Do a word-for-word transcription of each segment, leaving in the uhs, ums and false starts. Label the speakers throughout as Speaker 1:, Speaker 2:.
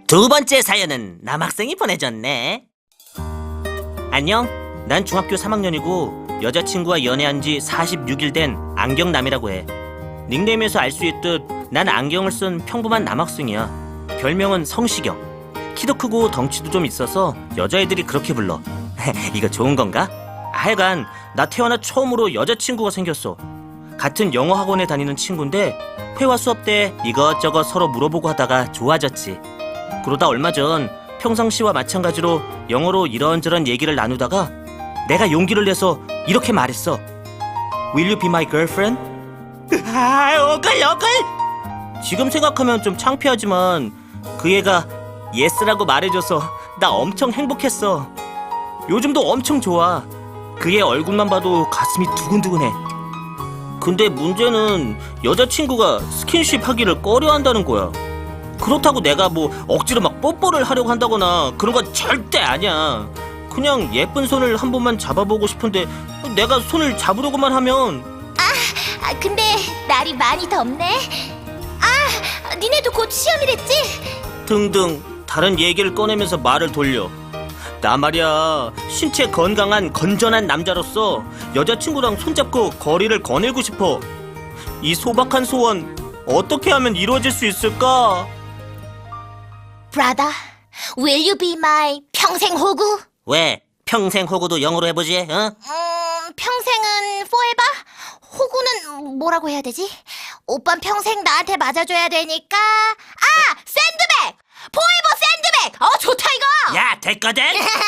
Speaker 1: 두 번째 사연은 남학생이 보내줬네. 안녕, 난 중학교 삼 학년이고 여자친구와 연애한 지 사십육 일 된 안경남이라고 해. 닉네임에서 알 수 있듯 난 안경을 쓴 평범한 남학생이야. 별명은 성시경. 키도 크고 덩치도 좀 있어서 여자애들이 그렇게 불러. 이거 좋은 건가? 하여간 나 태어나 처음으로 여자친구가 생겼어. 같은 영어 학원에 다니는 친구인데 회화 수업 때 이것저것 서로 물어보고 하다가 좋아졌지. 그러다 얼마 전 평상시와 마찬가지로 영어로 이런저런 얘기를 나누다가 내가 용기를 내서 이렇게 말했어. Will you be my girlfriend? 아, 어글 어글! 지금 생각하면 좀 창피하지만 그 애가 예스라고 말해줘서 나 엄청 행복했어. 요즘도 엄청 좋아. 그 애 얼굴만 봐도 가슴이 두근두근해. 근데 문제는 여자친구가 스킨십 하기를 꺼려한다는 거야. 그렇다고 내가 뭐 억지로 막 뽀뽀를 하려고 한다거나 그런 건 절대 아니야. 그냥 예쁜 손을 한 번만 잡아보고 싶은데 내가 손을 잡으려고만 하면.
Speaker 2: 아, 근데 날이 많이 덥네. 아, 니네도 곧 시험이랬지?
Speaker 1: 등등 다른 얘기를 꺼내면서 말을 돌려. 나 말이야, 신체 건강한 건전한 남자로서 여자친구랑 손잡고 거리를 거닐고 싶어. 이 소박한 소원 어떻게 하면 이루어질 수 있을까?
Speaker 2: Brother, will you be my 평생 호구?
Speaker 1: 왜? 평생 호구도 영어로 해보지, 어?
Speaker 2: 음, 평생은 forever? 호구는 뭐라고 해야 되지? 오빤 평생 나한테 맞아줘야 되니까. 아! 샌드백! forever 샌드백! 어, 좋다 이거!
Speaker 1: 야, 됐거든?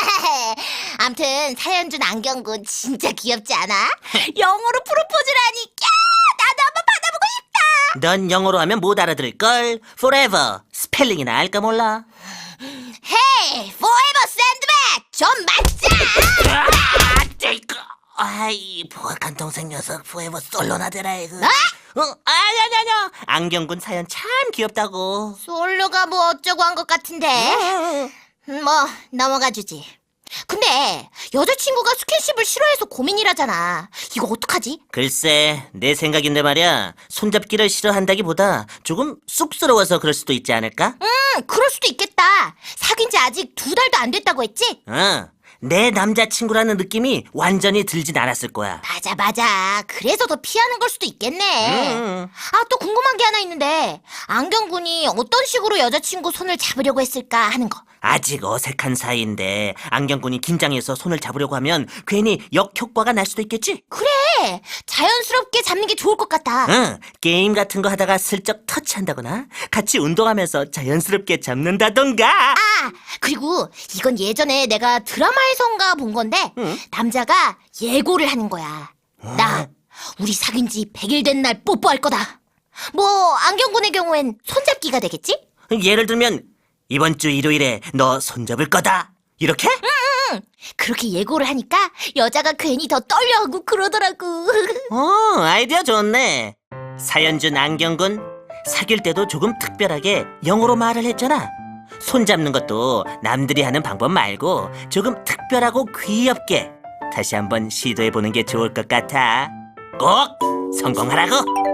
Speaker 2: 암튼 사연준 안경군 진짜 귀엽지 않아? 영어로 프로포즈를 하니 야! 나도 한번 받아보고 싶다!
Speaker 1: 넌 영어로 하면 못 알아들을걸? Forever 스펠링이나 알까 몰라?
Speaker 2: 헤이! forever 샌드백! 좀 맞자!
Speaker 1: 아, 이거. 아이, 포악한 동생 녀석 Forever 솔로나 되라 이거.
Speaker 2: 어?
Speaker 1: 어? 아니 아니 아니 안경군 사연 참 귀엽다고.
Speaker 2: 솔로가 뭐 어쩌고 한 것 같은데 뭐 넘어가 주지. 근데 여자친구가 스킨십을 싫어해서 고민이라잖아. 이거 어떡하지?
Speaker 1: 글쎄, 내 생각인데 말이야, 손잡기를 싫어한다기보다 조금 쑥스러워서 그럴 수도 있지 않을까?
Speaker 2: 음 그럴 수도 있겠다. 사귄 지 아직 두 달도 안 됐다고 했지?
Speaker 1: 어, 내 남자친구라는 느낌이 완전히 들진 않았을 거야.
Speaker 2: 맞아 맞아. 그래서 더 피하는 걸 수도 있겠네.
Speaker 1: 음.
Speaker 2: 아, 또 궁금한 게 하나 있는데 안경군이 어떤 식으로 여자친구 손을 잡으려고 했을까 하는 거.
Speaker 1: 아직 어색한 사이인데 안경군이 긴장해서 손을 잡으려고 하면 괜히 역효과가 날 수도 있겠지?
Speaker 2: 그래, 자연스럽게 잡는 게 좋을 것 같다.
Speaker 1: 응, 게임 같은 거 하다가 슬쩍 터치한다거나 같이 운동하면서 자연스럽게 잡는다던가.
Speaker 2: 아, 그리고 이건 예전에 내가 드라마에선가 본 건데
Speaker 1: 응?
Speaker 2: 남자가 예고를 하는 거야. 나 우리 사귄 지 백 일 된 날 뽀뽀할 거다. 뭐 안경군의 경우엔 손잡기가 되겠지?
Speaker 1: 예를 들면 이번 주 일요일에 너 손잡을 거다 이렇게?
Speaker 2: 응, 그렇게 예고를 하니까 여자가 괜히 더 떨려하고 그러더라고.
Speaker 1: 어, 아이디어 좋네. 사연준 안경군, 사귈 때도 조금 특별하게 영어로 말을 했잖아. 손잡는 것도 남들이 하는 방법 말고 조금 특별하고 귀엽게 다시 한번 시도해보는 게 좋을 것 같아. 꼭 성공하라고.